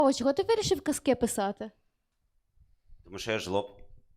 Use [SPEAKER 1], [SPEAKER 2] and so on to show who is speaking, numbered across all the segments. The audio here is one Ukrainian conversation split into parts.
[SPEAKER 1] О, чого ти вирішив казки писати?
[SPEAKER 2] Тому що я жлоб.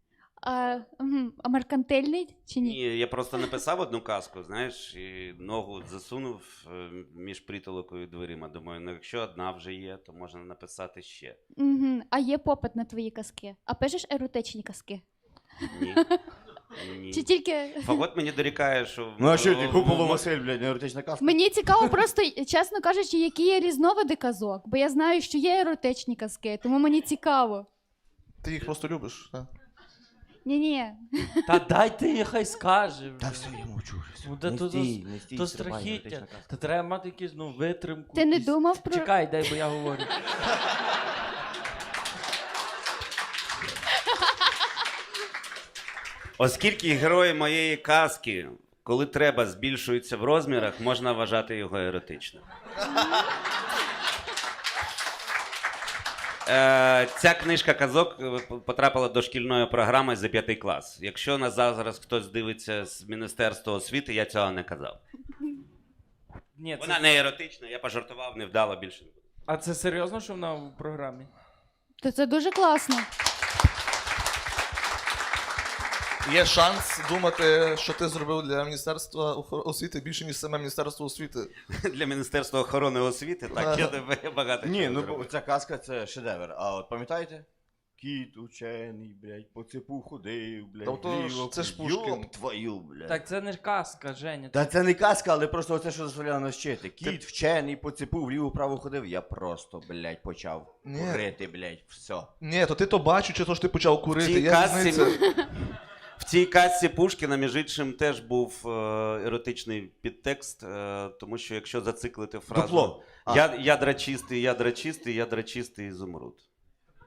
[SPEAKER 1] А меркантильний чи ні?
[SPEAKER 2] Ні, я просто написав одну казку, знаєш, і ногу засунув між притолокою і дверима. Думаю, ну якщо одна вже є, то можна написати ще.
[SPEAKER 1] Угу. А є попит на твої казки? А пишеш еротичні казки?
[SPEAKER 2] Ні. Ні.
[SPEAKER 1] Чи тільки...
[SPEAKER 2] Фагот мені дорікає, що...
[SPEAKER 3] Ну а що ти, Куполо Василь, блядь, не еротична казка?
[SPEAKER 1] Мені цікаво просто, чесно кажучи, які є різновиди казок, бо я знаю, що є еротичні казки, тому мені цікаво.
[SPEAKER 4] Ти їх просто любиш, так?
[SPEAKER 1] Ні-ні.
[SPEAKER 5] Та дайте їй, хай скаже.
[SPEAKER 3] Та все, я мовчу. Все.
[SPEAKER 5] Ну, та
[SPEAKER 3] Не
[SPEAKER 5] то-
[SPEAKER 3] стій, не стій,
[SPEAKER 5] То
[SPEAKER 3] стрибай,
[SPEAKER 5] страхіття.
[SPEAKER 3] еротична казка.
[SPEAKER 5] Та треба мати якусь, витримку.
[SPEAKER 1] Ти не
[SPEAKER 5] якісь-
[SPEAKER 1] думав про...
[SPEAKER 5] Чекай, дай, бо я говорю.
[SPEAKER 2] Оскільки герої моєї казки, коли треба, збільшуються в розмірах, можна вважати його еротичним. Ця книжка казок потрапила до шкільної програми за 5 клас. Якщо нас зараз хтось дивиться з Міністерства освіти, я цього не казав.
[SPEAKER 5] Ні,
[SPEAKER 2] Вона
[SPEAKER 5] це...
[SPEAKER 2] не еротична, я пожартував, не вдало, більше не буду.
[SPEAKER 5] А це серйозно, що вона в програмі?
[SPEAKER 1] То це дуже класно.
[SPEAKER 4] Є шанс думати, що ти зробив для Міністерства освіти більше, ніж саме Міністерство освіти.
[SPEAKER 2] Для Міністерства охорони освіти, так, я багато
[SPEAKER 3] Ні,
[SPEAKER 2] чого
[SPEAKER 3] ну
[SPEAKER 2] зробив.
[SPEAKER 3] ця казка це шедевр. А от пам'ятаєте? Кіт учений, блядь, по цепу ходив, блядь,
[SPEAKER 4] Тобто
[SPEAKER 3] вліво,
[SPEAKER 4] це ж Пушкін.
[SPEAKER 3] Йоп твою, блядь.
[SPEAKER 5] Так це не ж казка, Женя.
[SPEAKER 3] Та це не казка, але просто оце, що заставляє нас вчити. Кіт вчений, по цепу вліво-право ходив, я просто, блядь, почав
[SPEAKER 4] Ні.
[SPEAKER 3] курити, блядь, все.
[SPEAKER 4] Ні, то ти то бачив, чи то ж ти почав
[SPEAKER 2] В
[SPEAKER 4] курити.
[SPEAKER 2] цій
[SPEAKER 4] Я
[SPEAKER 2] казці,
[SPEAKER 4] різниця.
[SPEAKER 2] в цій казці Пушкіна, між іншим, теж був еротичний підтекст, тому що якщо зациклити фразу
[SPEAKER 3] Дупло.
[SPEAKER 2] ядра чистий, ядра чистий, ядра чистий, ізумруд.